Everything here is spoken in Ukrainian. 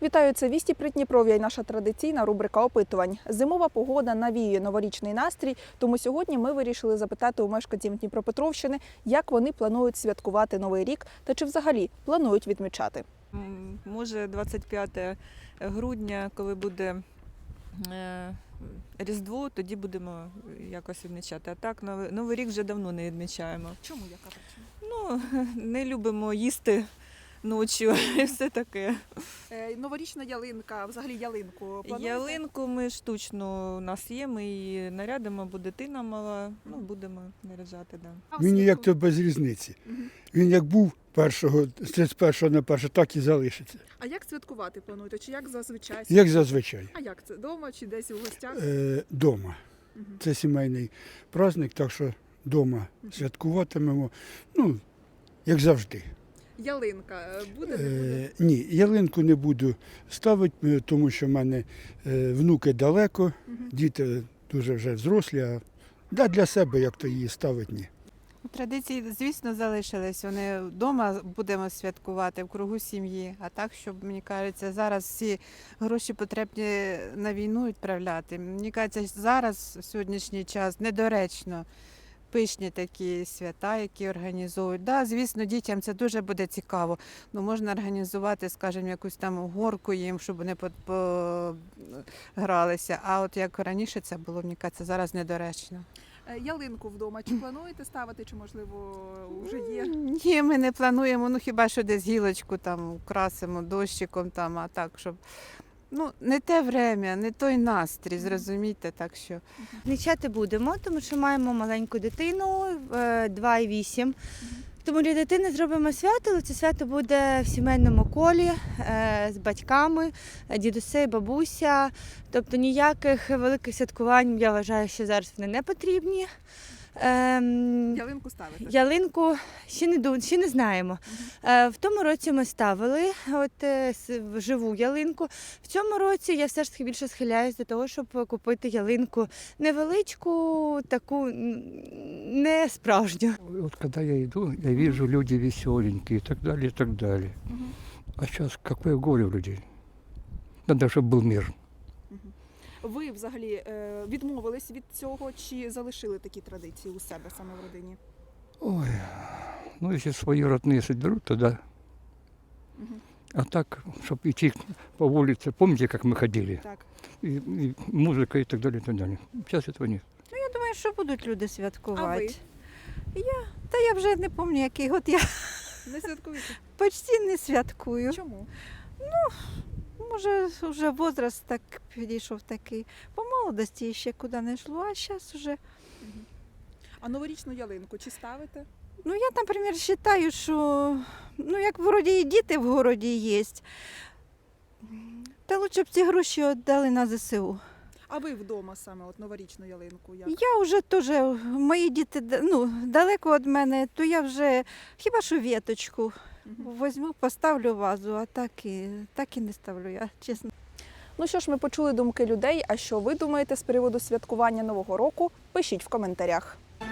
Вітаю, це «Вісті Придніпров'я» і наша традиційна рубрика опитувань. Зимова погода навіює новорічний настрій, тому сьогодні ми вирішили запитати у мешканців Дніпропетровщини, як вони планують святкувати Новий рік та чи взагалі планують відмічати. Може 25 грудня, коли буде Різдво, тоді будемо якось відмічати. А так, Новий рік вже давно не відмічаємо. Чому, яка причина? Ну, не любимо їсти ночі і все таке. Новорічна ялинка, взагалі ялинку плануєте? Ялинку ми штучно, у нас є, ми її нарядимо, бо дитина мала, будемо наряджати. Да. Він ніяк то без різниці. Він як був з 31 на 1, так і залишиться. А як святкувати плануєте? Чи як зазвичай? Як зазвичай. А як це? Дома чи десь у гостях? Дома. Це сімейний праздник, так що дома святкуватимемо, як завжди. Ялинка буде, не буде? Ні, ялинку не буду ставити, тому що в мене внуки далеко, діти дуже вже взрослі, а для себе як то її ставити, ні. Традиції, звісно, залишились. Вони вдома будемо святкувати в кругу сім'ї. А так, щоб, мені кажеться, зараз всі гроші потрібні на війну відправляти. Мені кажеться, зараз, в сьогоднішній час, недоречно пишні такі свята, які організовують. Да, звісно, дітям це дуже буде цікаво. Можна організувати, скажімо, якусь там горку їм, щоб вони погралися. А от як раніше це було, мені кажеться, зараз недоречно. Ялинку вдома чи плануєте ставити, чи, можливо, вже є? Ні, ми не плануємо, хіба що десь гілочку там украсимо дощиком, а так, щоб... не те время, не той настрій, зрозумійте, так що... Відмічати будемо, тому що маємо маленьку дитину, 2,8. Тому для дитини зробимо свято, але це свято буде в сімейному колі, з батьками, дідуся, бабуся. Тобто ніяких великих святкувань, я вважаю, що зараз вони не потрібні. Ялинку ставите? Ялинку ще не знаємо. В тому році ми ставили живу ялинку. В цьому році я все ж таки більше схиляюсь до того, щоб купити ялинку невеличку, таку не справжню. Вот когда я иду, я вижу, люди веселенькие и так далее, и так далее. А сейчас какое горе у людей. Надо, чтобы был мир. Ви взагалі відмовились від цього чи залишили такі традиції у себе саме в родині? Ой, если свои родные соберут, то да. А так, чтобы идти по улице, помните, как мы ходили? Так. И музыка и так далее, и так далее. Сейчас этого нет. Я думаю, що будуть люди А святкувати. ви? Я вже не пам'ятаю, який год я Не святкуєте? почти не святкую. Чому? Може, вже возраст так підійшов такий. По молодості ще куди не йшло, а зараз вже... А новорічну ялинку чи ставите? Я, наприклад, вважаю, що, як вроді і діти в городі є, та лучше б ці гроші віддали на ЗСУ. А ви вдома саме новорічну ялинку? Як? Я вже теж, мої діти далеко від мене, то я вже хіба що віточку візьму, поставлю вазу, а так і не ставлю я, чесно. Ну що ж, ми почули думки людей, а що ви думаєте з приводу святкування Нового року? Пишіть в коментарях.